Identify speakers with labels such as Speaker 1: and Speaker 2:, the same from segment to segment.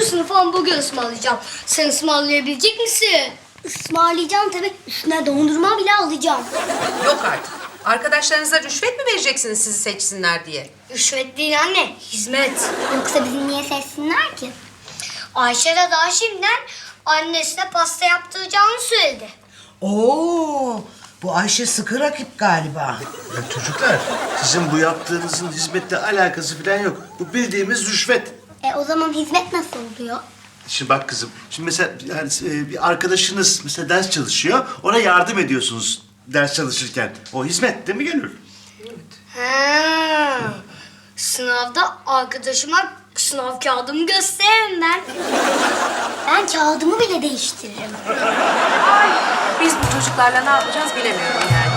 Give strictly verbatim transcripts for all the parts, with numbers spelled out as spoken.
Speaker 1: sınıfa hamburger ısmarlayacağım. Sen ısmarlayabilecek misin? Ismarlayacağım tabii. Üstüne dondurma bile alacağım.
Speaker 2: Yok artık. Arkadaşlarınıza rüşvet mi vereceksiniz sizi seçsinler diye?
Speaker 1: Rüşvet değil anne, hizmet.
Speaker 3: Yoksa bizi niye seçsinler ki?
Speaker 1: Ayşe de daha şimdiden annesine pasta yaptıracağını söyledi.
Speaker 4: Oo, bu Ayşe sıkı rakip galiba.
Speaker 5: Ya çocuklar, sizin bu yaptığınızın hizmetle alakası falan yok. Bu bildiğimiz rüşvet.
Speaker 3: E o zaman hizmet nasıl oluyor?
Speaker 5: Şimdi bak kızım, şimdi mesela yani e, bir arkadaşınız mesela ders çalışıyor, ona yardım ediyorsunuz ders çalışırken. O hizmet değil mi Gönül?
Speaker 1: Ha. Sınavda arkadaşıma sınav kağıdımı gösteririm ben.
Speaker 3: Ben kağıdımı bile değiştiririm.
Speaker 2: Biz bu çocuklarla ne yapacağız bilemiyorum yani.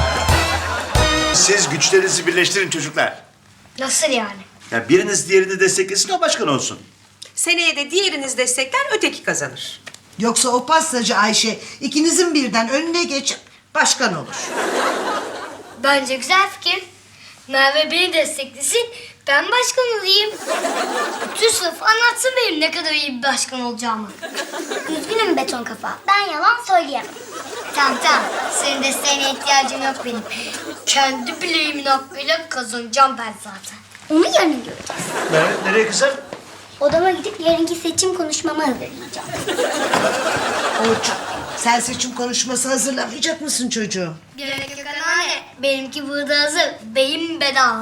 Speaker 5: Siz güçlerinizi birleştirin çocuklar.
Speaker 1: Nasıl yani?
Speaker 5: Ya biriniz diğerini desteklesin, o başkan olsun.
Speaker 2: Seneye de diğeriniz destekler, öteki kazanır.
Speaker 4: Yoksa o pastacı Ayşe ikinizin birden önüne geçip başkan olur.
Speaker 1: Bence güzel fikir. Merve beni desteklesin, ben başkan olayım. Bütün sınıf anlatsın benim ne kadar iyi bir başkan olacağımı.
Speaker 3: Üzgünüm beton kafa. Ben yalan söyleyemem.
Speaker 1: Tamam tamam, senin desteğine ihtiyacım yok benim. Kendi bileğimin hakkıyla kazanacağım ben zaten.
Speaker 3: Onu yarın göreceğiz.
Speaker 5: Nereye, nereye kızım?
Speaker 3: Odama gidip yarınki seçim konuşmamı hazırlayacağım.
Speaker 4: Orçun, sen seçim konuşması hazırlamayacak mısın çocuğum?
Speaker 1: Gerek yok anne, benimki burada hazır. Beyin bedava.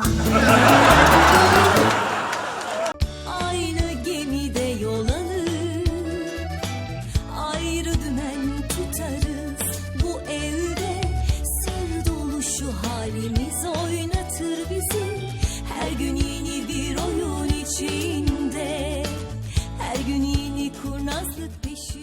Speaker 6: Aynı gemide yol alır, ayrı dümen tutarız. Bu evde sır dolu şu halimiz oynatır bizi. Her gün yeni bir oyun içinde, her gün yeni kurnazlık peşinde.